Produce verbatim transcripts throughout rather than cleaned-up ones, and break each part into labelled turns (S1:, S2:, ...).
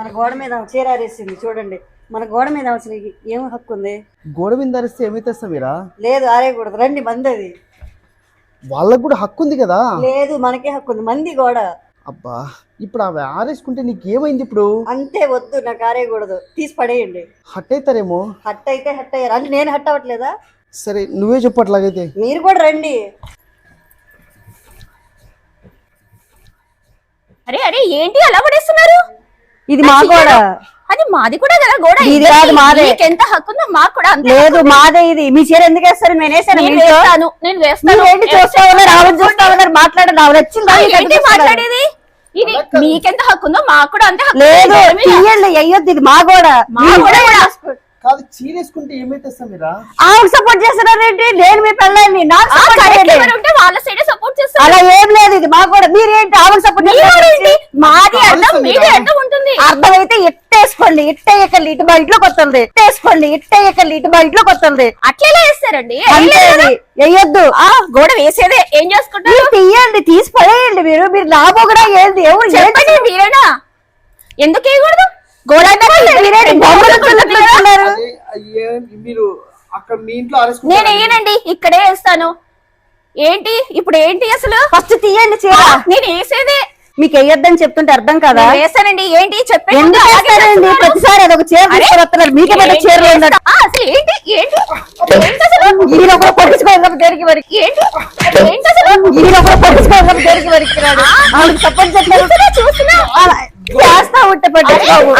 S1: గోడ మీద చీర ఆరేసింది చూడండి. మన గోడ మీద అసలు ఏం హక్కు ఉంది?
S2: గోడ మీద ఆరేస్తే ఏమైతే మీరా?
S1: లేదు, ఆరేయకూడదు. రండి, మంది అది.
S2: వాళ్ళకు కూడా హక్కు ఉంది కదా?
S1: లేదు, మనకే హక్కు ఉంది. మంది గోడ.
S2: అబ్బా, ఇప్పుడు అవి ఆరేసుకుంటే నీకు ఏమైంది ఇప్పుడు?
S1: అంతే, వద్దు, నాకు ఆరేయకూడదు. తీసి పడేయండి.
S2: హట్ అవుతారేమో.
S1: హట్ అయితే హట్ అయ్యారు అంటే నేను హట్ అవ్వట్లేదా?
S2: సరే, నువ్వే చెప్పు అట్లాగైతే.
S1: మీరు కూడా రండి.
S3: అరే అరే ఏంటి అలా పడేస్తున్నారు?
S1: ఇది మా గోడ.
S3: అది మాది కూడా కదా గోడ.
S1: ఇది కాదు, మాదే.
S3: ఎంత హక్కు ఉందో మాకు కూడా అంతే.
S1: లేదు, మాదే. ఇది మీ చీర ఎందుకు వేస్తారు? నేను వేసాను.
S3: నేను వేస్తాను నేను వేస్తాను
S1: ఏంటి చూస్తా ఉన్నారు, ఆవిడ చూస్తా ఉన్నారు, మాట్లాడండి. ఆవిడ వచ్చింది
S3: మాట్లాడేది. ఇది మీకెంత హక్కు ఉందో మాకు కూడా అంతే హక్కు.
S1: లేదు, తీయండి, అయ్యొద్దు. ఇది మా గోడ.
S3: మా గోడ కూడా
S2: కాదు, చీరేసుకుంటే ఏమైతే మీరా?
S1: ఆవిడ సపోర్ట్ చేస్తున్నారేంటి? నేను మీ పెళ్ళాన్ని నాకు సపోర్ట్ చేయండి.
S3: ఉంటే వాళ్ళ సైడ్ సపోర్ట్ చేస్తారు.
S1: అలా ఏం లేదు, ఇది మా గోడ. మీరేంటి ఆవిడ సపోర్ట్ చేస్తారేంటి?
S3: మాది అర్థం మీది అర్థం ఉంటుంది.
S1: అర్థమైతే ఇట్టేసుకోండి, ఇట్టేయకండి, ఇటు మా ఇంట్లోకి వస్తుంది. ఇట్టేసుకోండి, ఇట్టేయకండి, ఇటు మా ఇంట్లోకి వస్తుంది.
S3: అట్లా వేస్తారండి.
S1: వేయొద్దు.
S3: ఆ గోడ వేసేదే ఏం చేసుకుంటారు?
S1: తీయండి, తీసి పడేయండి. మీరు మీరు లాభం కూడా ఏంది? ఎవరు
S3: చెప్పండి, మీరేనా? ఎందుకు వేయకూడదు? గోడ
S2: మీరు అక్కడ మీ ఇంట్లో
S3: నేను వేయనండి, ఇక్కడే వేస్తాను. ఏంటి ఇప్పుడు ఏంటి అసలు?
S1: ఫస్ట్ తీయండి చీర.
S3: నేను వేసేదే.
S1: మీకు వేయొద్దని చెప్తుంటే అర్థం కదా?
S3: వేస్తానండి. ఏంటి చెప్పండి.
S1: ఎందుకు వేస్తారండి? ప్రతిసారి అదొక చీర తీసుకువస్తున్నారు. మీకే పెద్ద చీరలు ఉన్నారు.
S3: అసలు ఏంటి ఏంటి ఏంటి అసలు?
S1: ఈయన కూడా పట్టించుకోవాలి దేనికి వరకు.
S3: ఏంటి ఏంటి అసలు?
S1: ఈయన కూడా పట్టించుకోవాలి దేనికి వరకు. ఆవిడకి సపోర్ట్ చేస్తున్నా చూస్తున్నా చేస్తా ఉంటే పట్టించుకోవు.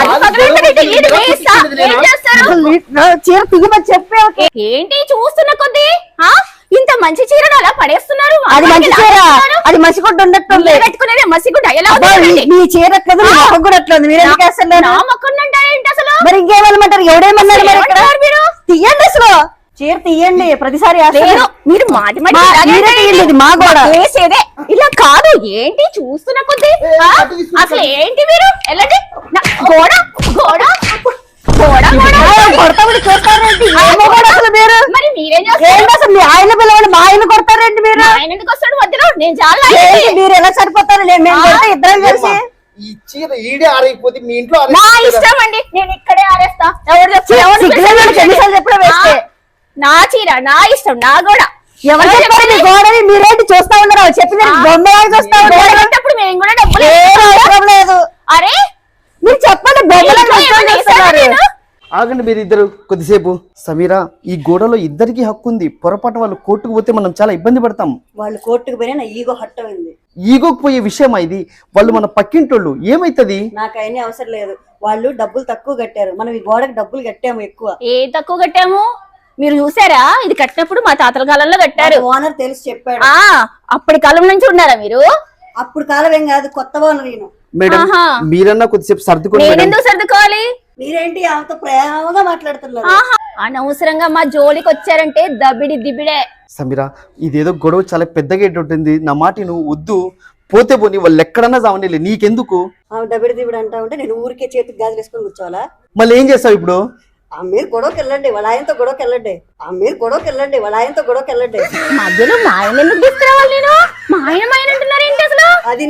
S1: చీర తిగమని చెప్పే.
S3: ఏంటి చూస్తున్న కొద్ది ఇంత మంచి చీరను అలా పడేస్తున్నారు?
S1: అది మంచి చీర, అది మసిగుడ్డ ఉండట్టుంది.
S3: పెట్టుకునేది మసిగుడ్డ ఎలా?
S1: మీ చీర ఎట్లేదు, నా మొక్క కూడా ఎట్లేదు. మీరు ఎందుకు వేస్తున్నారు?
S3: నా మొక్కను అంటారేంటి అసలు?
S1: మరి ఇంకేమన్నమాటారు? ఎవడేమన్నారు? మరి ఇక్కడ తీయండి, అసలు చీర తీయండి. ప్రతిసారి
S3: మీరు మాటి
S1: మాటి మా గోడ
S3: వేసేదే ఇలా కాదు. ఏంటి చూస్తున్న కొద్ది అసలు ఏంటి మీరు? వెళ్ళండి. గోడ గోడ
S1: కొడతామని చూస్తారేంటి? మీరు
S3: మరి మీరేం చేస్తారు?
S1: అసలు మీ ఆయన పిల్లవాడు మా ఆయన కొడతారేంటి? మీరు
S3: ఆయన ఎందుకు వస్తాడు మధ్యలో? నేను చాలా
S1: మీరు ఎలా సరిపోతారు? మేము ఇద్దరం కలిసి
S2: ఈ చీర ఈడే ఆరైపోతే మీ ఇంట్లో
S3: నా ఇష్టం అండి. నేను ఇక్కడే ఆరేస్తా. ఎవరు
S1: చెప్పడం వేస్తే
S3: నా చీర నా ఇష్టం, నా గోడ.
S1: ఎవరు చెప్పారు మీ గోడని? మీరేంటి చూస్తా ఉన్నారు? చెప్పిన బొమ్మ చూస్తా
S3: ఉన్నప్పుడు మేము కూడా డబ్బులు
S1: అవసరం లేదు.
S3: అరే
S1: మీరు చెప్పండి, బొమ్మలు
S2: ఆగండి మీరు ఇద్దరు కొద్దిసేపు. సమీరా, ఈ గోడలో ఇద్దరికి హక్కు ఉంది. పొరపాటు వాళ్ళు కోర్టుకు పోతే మనం చాలా ఇబ్బంది పడతాం.
S1: వాళ్ళు కోర్టుకు పోయినా నా ఈగో హట్ అయింది.
S2: ఈగోకు పోయే విషయమా ఇది? వాళ్ళు మన పక్కింటోళ్ళు. ఏమైతుంది?
S1: నాకు అయినా అవసరం లేదు. వాళ్ళు డబ్బులు తక్కువ కట్టారు, మనం ఈ గోడకి డబ్బులు కట్టాము ఎక్కువ.
S3: ఏ తక్కువ కట్టాము? మీరు చూసారా? ఇది కట్టినప్పుడు మా తాతల కాలంలో కట్టారు.
S1: ఓనర్ తెలిసి చెప్పాడు.
S3: ఆ అప్పటి కాలం నుంచి ఉన్నారా మీరు?
S1: అప్పుడు కాలం ఏం కాదు, కొత్త ఓనర్ నేను.
S2: మేడం, మీరన్నా కొద్దిసేపు సర్దుకోండి.
S3: నేను ఎందుకు సర్దుకోవాలి?
S1: మీరేంటి ఆమెతో ప్రేమగా మాట్లాడుతున్నారు?
S3: అనవసరంగా మా జోలికి వచ్చారంటే దబిడి దిబిడే.
S2: సమీరా, ఇదేదో గొడవ చాలా పెద్దగా ఉంటుంది. నా మాట నువ్వు వద్దు. పోతే పోనీ, వాళ్ళు ఎక్కడన్నా చావని, నీకెందుకు?
S1: ఆమె దబిడి దిబిడి అంటా ఉంటే నేను ఊరికే చేతికి గాజులు వేసుకొని కూర్చోవాలా?
S2: మళ్ళీ ఏం చేస్తావు ఇప్పుడు?
S1: ఆ మీరు గొడవకి వెళ్ళండి, వాళ్ళ ఆయనతో గొడవకి వెళ్ళండి. ఆ మీరు గొడవకి వెళ్ళండి, వాళ్ళ ఆయనతో గొడవకి వెళ్ళండి.
S3: మధ్యలో మా ఆయన ఎందుకు తీసుకురావాలి? నేను మా ఆయన మా ఆయన అంటున్నారు ఏంటి అసలు?
S1: అది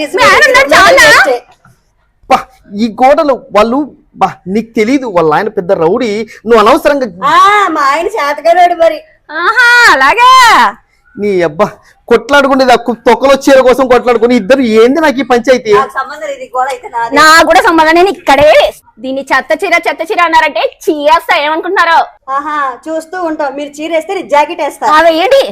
S2: ఈ గోడలు వాళ్ళు బా నీకు తెలీదు. వాళ్ళ ఆయన పెద్ద రౌడీ. నువ్వు అనవసరంగా
S1: మా ఆయన చేతగాడు మరి.
S3: ఆహా అలాగా.
S2: నీ అబ్బా కొట్లాడుకునేది తొక్కలో చీర కోసం కొట్లాడుకుని ఇద్దరు. ఏంది నాకు ఈ పంచాయతీ?
S3: నా కూడా సంబంధం. నేను ఇక్కడే దీన్ని చెత్త చీర చెత్త చీర అన్నారంటే చీరేస్తా. ఏమనుకుంటున్నారో?
S1: ఆహా చూస్తూ ఉంటాం. మీరు చీర వేస్తే జాకెట్ వేస్తా.
S3: ఏంటి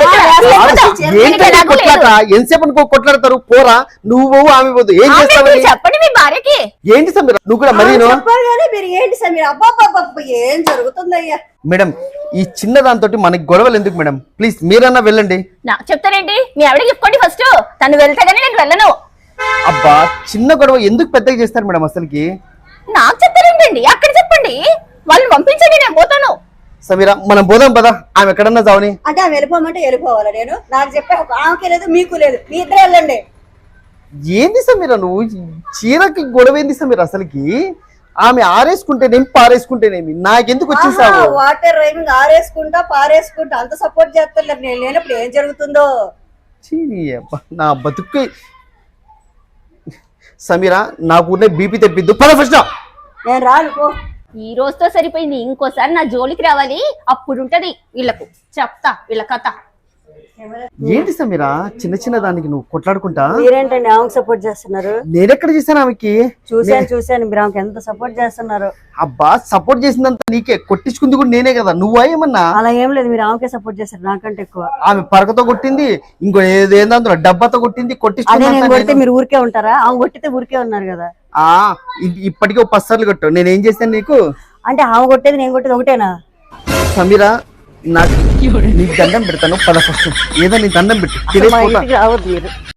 S2: ఎంతసేపు కొట్లాడతారు? పోరా నువ్వు ఆమె పోదు. ఏం చేస్తావు?
S3: చెప్పండి మీ భార్యకి.
S2: ఏంటి సమీర నువ్వు కూడా మరి?
S1: మీరు ఏంటి సమీర? అబ్బా ఏం జరుగుతుందయ్యా?
S2: మేడం, ఈ చిన్న దాంతో మనకి గొడవలు ఎందుకు మేడం? ప్లీజ్ మీరన్నా వెళ్ళండి.
S3: నాకు చెప్తారేంటి? మీ ఆవిడకి చెప్పుకోండి ఫస్ట్. తను వెళ్తే గానీ నేను వెళ్ళను.
S2: అబ్బా చిన్న గొడవ ఎందుకు పెద్దగా చేస్తారు మేడం అసలుకి?
S3: నాకు చెప్తారేంటండి? అక్కడ చెప్పండి, వాళ్ళని పంపించండి, నేను పోతాను.
S2: సమీరా, మనం పోదాం పదా. ఆమె ఎక్కడన్నా చావని.
S1: అంటే ఆమె వెళ్ళిపోమంటే వెళ్ళిపోవాలా? నేను నాకు చెప్పే ఆమెకి లేదు, మీకు లేదు, మీ ఇద్దరు వెళ్ళండి.
S2: ఏంది సమీరా నువ్వు? చీరకి గొడవ ఏంది సమీరా అసలుకి? ఆమె ఆరేసుకుంటేనేమి పారేసుకుంటేనేమి నాకెందుకు వచ్చేసావు?
S1: వాటర్ రైమింగ్ ఆరేసుకుంటా పారేసుకుంటా అంత సపోర్ట్ చేస్తారు. నేను లేనప్పుడు ఏం జరుగుతుందో?
S2: నా బతుకు. సమీరా, నాకు బీపీ తెప్పిద్దు. పద ఫస్ట్
S4: నేను రాను పో.
S3: ఈ రోజుతో సరిపోయింది, ఇంకోసారి నా జోలికి రావాలి, అప్పుడు ఉంటది వీళ్ళకు, చెప్తా వీళ్ళ కథ.
S2: ఏంటి సమీరా చిన్న చిన్న దానికి నువ్వు కొట్లాడుకుంటా?
S4: మీరేంటండి ఆమెకు సపోర్ట్ చేస్తున్నారు?
S2: నేనెక్కడ చేశాను ఆమెకి?
S4: చూశాను చూశాను మీరు ఆమెకు ఎంత సపోర్ట్ చేస్తున్నారు.
S2: అబ్బా సపోర్ట్ చేసిందంత నీకే, కొట్టించుకుంది కూడా నేనే కదా, నువ్వా ఏమన్నా?
S4: అలా ఏం లేదు, మీరు ఆమెకే సపోర్ట్ చేస్తారు నాకంటే ఎక్కువ.
S2: ఆమె పరకతో కొట్టింది, ఇంకో ఏదేందో డబ్బాతో కొట్టింది,
S4: అదే నేను కొడితే
S2: కొట్టించుకుంది.
S4: మీరు ఊరికే ఉంటారా? ఆమె కొట్టితే ఊరికే ఉన్నారు కదా.
S2: ఆ ఇ- ఇప్పటికీ ఒక పది కొట్టు, నేనేం చేశాను నీకు?
S4: అంటే ఆమె కొట్టేది నేను కొట్టేది ఒకటేనా?
S2: సమీరా నాకు నీకు దండం పెడతాను, పద ఫస్ట్ ఏదో నీ దండం పెట్టు,
S4: మా
S2: తెలియకపోతా.
S4: ఇంటికి రావద్దు మీరు.